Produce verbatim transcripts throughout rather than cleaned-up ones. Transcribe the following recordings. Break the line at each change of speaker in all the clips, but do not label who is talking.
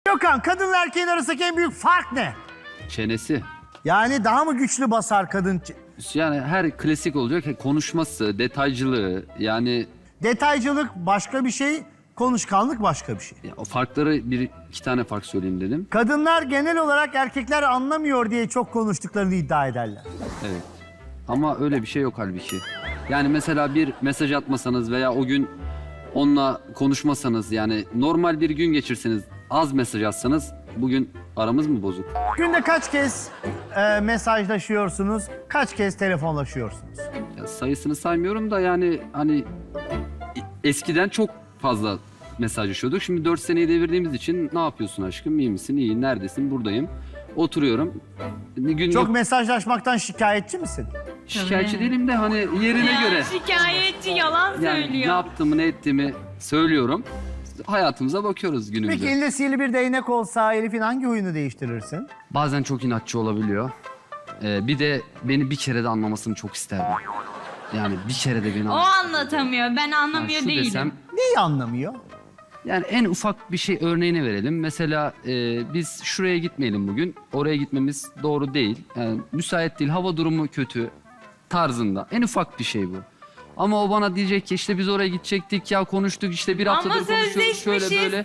Gökhan, kadınla erkeğin arasındaki en büyük fark ne?
Çenesi.
Yani daha mı güçlü basar kadın?
Yani her klasik olacak. Konuşması, detaycılığı yani
Detaycılık başka bir şey, konuşkanlık başka bir şey.
ya o farkları bir iki tane fark söyleyeyim dedim.
Kadınlar genel olarak erkekler anlamıyor diye çok konuştuklarını iddia ederler.
Evet. Ama öyle bir şey yok halbuki. Yani mesela bir mesaj atmasanız veya o gün onunla konuşmasanız yani normal bir gün geçirseniz az mesaj atsanız bugün aramız mı bozuk?
Günde kaç kez e, mesajlaşıyorsunuz, kaç kez telefonlaşıyorsunuz?
Ya sayısını saymıyorum da yani hani eskiden çok fazla mesajlaşıyorduk. Şimdi dört seneyi devirdiğimiz için ne yapıyorsun aşkım? İyi misin? İyi. Neredesin? Buradayım. Oturuyorum. Günlük
Çok mesajlaşmaktan şikayetçi misin?
şikayetçi değilim de hani yerine
Ya,
göre.
şikayetçi yalan
Yani ne
söylüyor.
yaptığımı ne ettiğimi söylüyorum. Hayatımıza bakıyoruz günümüze.
Peki elinde sihirli bir değnek olsa Elif'in hangi huyunu değiştirirsin?
Bazen çok inatçı olabiliyor. Ee, bir de beni bir kere de anlamasını çok isterdim. Yani bir kere de beni
O
anlamasını.
anlatamıyor. Ben anlamıyor
şu
değilim.
desem,
Neyi anlamıyor?
yani en ufak bir şey örneğini verelim. Mesela e, biz şuraya gitmeyelim bugün. Oraya gitmemiz doğru değil. Yani müsait değil. Hava durumu kötü tarzında. En ufak bir şey bu. Ama o bana diyecek ki işte biz oraya gidecektik ya konuştuk işte bir haftadır
Ama
konuşuyoruz şöyle
sözleşmişiz.
böyle.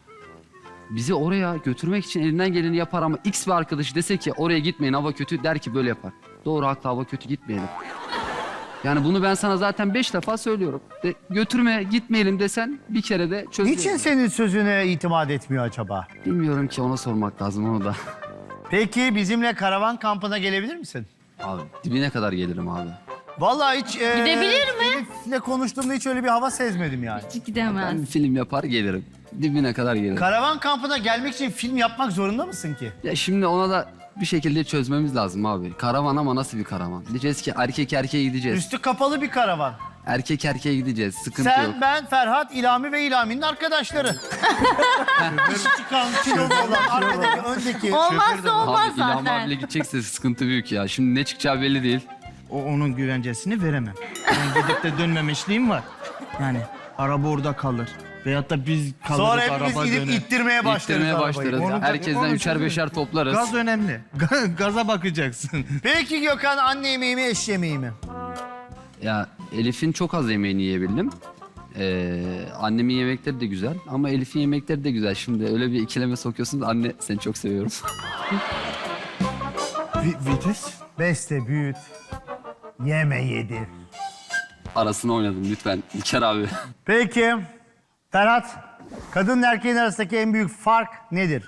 Bizi oraya götürmek için elinden geleni yapar ama X bir arkadaşı dese ki oraya gitmeyin hava kötü der ki böyle yapar. Doğru haklı hava kötü gitmeyelim. Yani bunu ben sana zaten beş defa söylüyorum. De, götürme gitmeyelim desen bir kere de çözüyorum.
Niçin senin sözüne itimat etmiyor acaba?
Bilmiyorum ki ona sormak lazım onu da.
Peki bizimle karavan kampına gelebilir misin?
Abi dibine kadar gelirim abi.
Vallahi hiç... e,
Gidebilir mi?
Elif'le konuştuğumda hiç öyle bir hava sezmedim yani.
Hiç gidemez.
Ben film yapar gelirim. Dibine kadar gelirim.
Karavan kampına gelmek için film yapmak zorunda mısın ki?
Ya şimdi ona da bir şekilde çözmemiz lazım abi. Karavan ama nasıl bir karavan? Diyeceğiz ki erkek erkeğe gideceğiz.
Üstü kapalı bir karavan.
Erkek erkeğe gideceğiz. Sıkıntı
Sen,
yok.
ben, Ferhat, İlami ve İlami'nin arkadaşları. Dişi çıkan, kilolu olan, arkadaki, öndeki.
Olmazsa olmaz
Abi İlham
zaten.
abiyle gidecekse sıkıntı büyük ya. Şimdi ne çıkacağı belli değil.
O onun güvencesini veremem. Ben gidip de dönmemişliğim var. Yani araba orada kalır. Veyahut da biz kalırız
Sonra hepimiz
araba
gidip
döner.
ittirmeye başlarız
İttirmeye
arabayı.
başlarız.
Onu-
Herkesten
onu
üçer
çözeriz.
beşer toplarız.
Gaz önemli. Ga- Gaza bakacaksın.
Peki Gökhan, anne yemeği mi, eş yemeği mi?
Ya Elif'in çok az yemeğini yiyebildim. Ee, annemin yemekleri de güzel ama Elif'in yemekleri de güzel. Şimdi öyle bir ikileme sokuyorsun da anne seni çok seviyorum.
Vi- vites.
Beste, büyüt, yeme, yedir.
Arasını oynadım lütfen İlker abi.
Peki, Ferhat, kadınla erkeğin arasındaki en büyük fark nedir?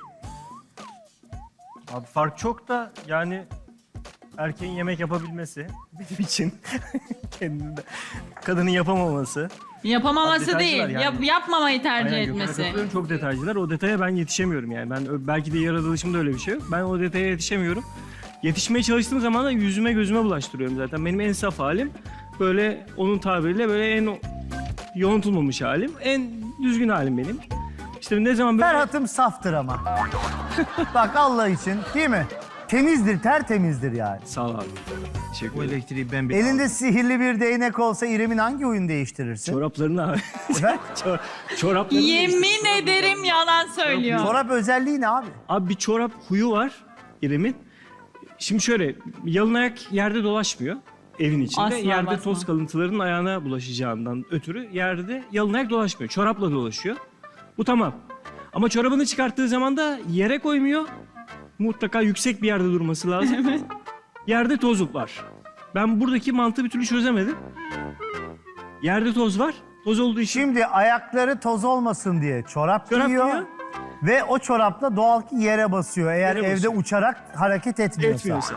Abi fark çok da yani erkeğin yemek yapabilmesi benim için kendinde kadının yapamaması.
Yapamaması
Detaycılar
değil,
yani.
yap, yapmamayı tercih
Aynen, Gökhan'a
etmesi.
katılıyorum. Çok detaycılar. O detaya ben yetişemiyorum yani. Ben ö- belki de yaratılışımda öyle bir şey yok. Ben o detaya yetişemiyorum. Yetişmeye çalıştığım zaman da yüzüme gözüme bulaştırıyorum zaten. Benim en saf halim böyle onun tabiriyle böyle en o- yoğuntulmamış halim. En düzgün halim benim. İşte ne zaman böyle...
Ferhat'ım saftır ama. Bak Allah için, değil mi? Temizdir, tertemizdir yani.
Sağ ol abi. Teşekkür
O
ederim.
elektriği ben bir
Elinde sihirli bir değnek olsa İrem'in hangi huyunu değiştirirsin?
Çoraplarını abi.
Efendim?
Çor- çoraplarını
Yemin ederim yalan söylüyor.
Çorap özelliği ne abi?
Abi bir çorap huyu var İrem'in. Şimdi şöyle yalın ayak yerde dolaşmıyor evin içinde.
Asla
yerde
basma.
toz kalıntılarının ayağına bulaşacağından ötürü yerde yalın ayak dolaşmıyor. Çorapla dolaşıyor. Bu tamam. Ama çorabını çıkarttığı zaman da yere koymuyor. Mutlaka yüksek bir yerde durması lazım. Yerde toz var. Ben buradaki mantığı bir türlü çözemedim. Yerde toz var. Toz olduğu için
Şimdi ayakları toz olmasın diye çorap,
Çorap
giyiyor.
giyiyor.
Ve o çorapla doğal ki yere basıyor. Eğer
Yere
evde
basıyor.
uçarak hareket etmiyorsa.
etmiyorsa.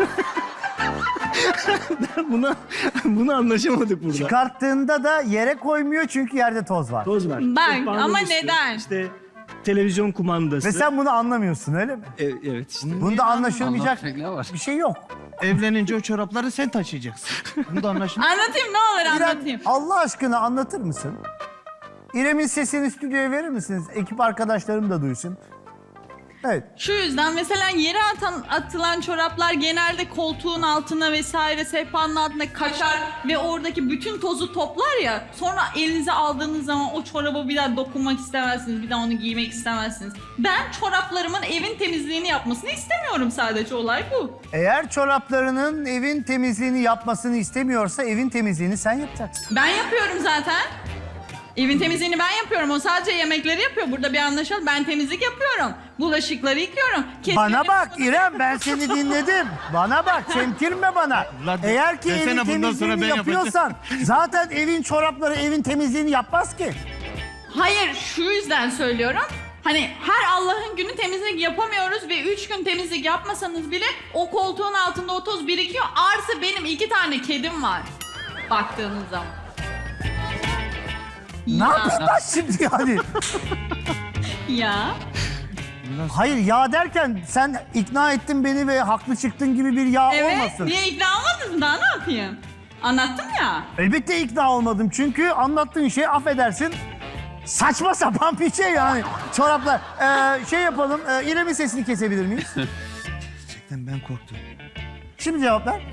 bunu, bunu anlaşamadık burada.
Çıkarttığında da yere koymuyor çünkü yerde toz var.
Toz var.
Bak,
Sehpanın
ama
üstü,
neden?
İşte televizyon kumandası.
Ve sen bunu anlamıyorsun öyle mi?
E- evet işte.
Bunda anlaşılmayacak
Anlatacak ne var?
bir şey yok.
evlenince o çorapları sen taşıyacaksın. Bunu da anlaşılıyor.
Anlatayım ne olur
İrem,
anlatayım.
Allah aşkına anlatır mısın? İrem'in sesini stüdyoya verir misiniz? Ekip arkadaşlarım da duysun. Evet.
Şu yüzden mesela yere atan, atılan çoraplar genelde koltuğun altına vesaire sehpanın altına kaçar ve oradaki bütün tozu toplar ya. Sonra elinize aldığınız zaman o çoraba bir daha dokunmak istemezsiniz. Bir daha onu giymek istemezsiniz. Ben çoraplarımın evin temizliğini yapmasını istemiyorum, sadece olay bu.
Eğer çoraplarının evin temizliğini yapmasını istemiyorsa evin temizliğini sen yapacaksın.
Ben yapıyorum zaten. Evin temizliğini ben yapıyorum. O sadece yemekleri yapıyor. Burada bir anlaşalım. Ben temizlik yapıyorum. Bulaşıkları yıkıyorum.
Bana bak İrem, ben seni dinledim. Bana bak, çemkirme bana.
Ulan de-
Eğer ki
desene
evin
bundan sonra
temizliğini
ben yapacağım.
yapıyorsan zaten evin çorapları evin temizliğini yapmaz ki.
Hayır, şu yüzden söylüyorum. Hani her Allah'ın günü temizlik yapamıyoruz ve üç gün temizlik yapmasanız bile o koltuğun altında o toz birikiyor. Artı benim iki tane kedim var. Baktığınız zaman.
Ne
Ya,
yapacağız şimdi yani?
ya.
Hayır, yağ derken sen ikna ettin beni ve haklı çıktın gibi bir yağ
Evet,
olmasın.
niye ikna olmadınız mı? Daha ne yapayım? Anlattım ya.
Elbette ikna olmadım çünkü anlattığın şey, affedersin, saçma sapan bir şey yani. Çoraplar. Ee, şey yapalım, e, İrem'in sesini kesebilir miyiz?
Gerçekten ben korktum.
Şimdi cevap ver.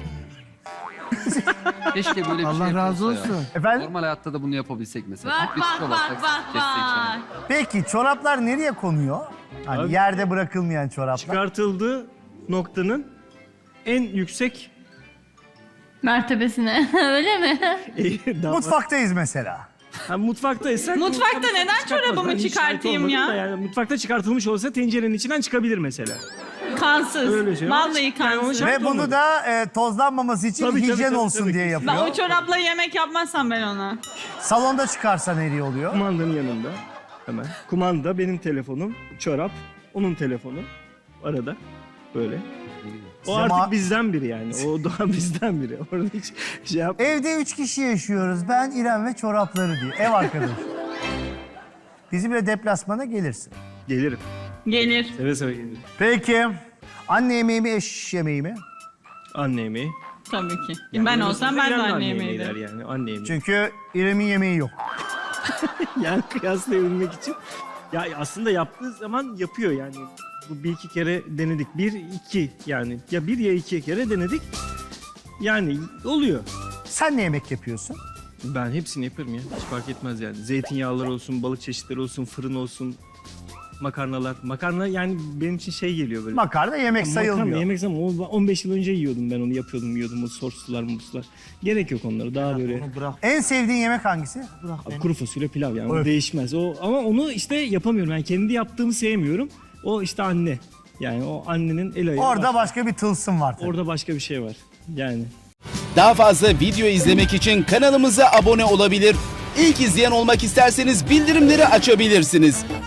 Keşke böyle bir
Allah
şey
razı
yapılsa ya.
olsun.
Efendim?
Normal hayatta da bunu yapabilsek mesela.
Bak
Tek bir
bak
tuta
bak
bassak,
bak
kessek
bak.
şöyle.
Peki çoraplar nereye konuyor? Hani
Abi-
yerde bırakılmayan çoraplar.
Çıkartıldığı noktanın en yüksek
Mertebesine. Öyle mi?
Daha-
Mutfaktayız mesela.
Ha, mutfaktaysak...
Mutfakta
tabii
neden
çıkartmaz.
çorabımı
Ben hiç şahit
çıkartayım
olmadım
ya?
da Yani mutfakta çıkartılmış olsa tencerenin içinden çıkabilir mesela.
Kansız.
Öyle şey.
Vallahi
Yani onu
kansız.
şey-
Ve bunu
olmadı.
da e, tozlanmaması için
Tabii, tabii,
hijyen
tabii,
olsun
tabii.
diye
Ben
yapıyor.
o çorapla yemek yapmazsam ben ona.
Salonda çıkarsa nereye oluyor?
Kumandanın yanında hemen. Kumanda benim telefonum, çorap onun telefonu arada böyle. O
Size
artık
ma-
bizden biri yani. O doğa bizden biri. Orada hiç şey yap.
Evde üç kişi yaşıyoruz. Ben, İrem ve çorapları diye. Ev arkadaşı. Bizimle deplasmana gelirsin.
Gelirim.
Gelir.
Seve seve gelirim.
Peki. Anne yemeği mi, eş yemeği mi?
Anne yemeği.
Tabii ki.
Yani
ben
öyle
olsam ben de
İrem
anne
yemeği
yemeği
der
derim.
yani. Anne yemeği.
Çünkü İrem'in yemeği yok.
Yani kıyaslayabilmek için. Ya aslında yaptığı zaman yapıyor yani. Bu bir iki kere denedik. Bir, iki yani. Ya bir ya iki kere denedik. Yani oluyor.
Sen ne yemek yapıyorsun?
Ben hepsini yaparım ya. Hiç fark etmez yani. Zeytinyağlar olsun, balık çeşitleri olsun, fırın olsun, makarnalar. Makarna yani benim için şey geliyor böyle.
Makarna yemek sayılmıyor.
Makarna yemek zaman o- on beş yıl önce yiyordum ben onu yapıyordum yiyordum o soslar muslar. Gerek yok onlara daha böyle.
Onu bırak,
En sevdiğin yemek hangisi?
bırak
Abi
beni.
kuru fasulye pilav yani
Öf.
o değişmez. O ama onu işte yapamıyorum. Yani kendi yaptığımı sevmiyorum. O işte anne. Yani o annenin el ayağı
Orada
var.
başka bir tılsım var tabii.
Orada başka bir şey var. Yani
Daha fazla video izlemek için kanalımıza abone olabilir. İlk izleyen olmak isterseniz bildirimleri açabilirsiniz.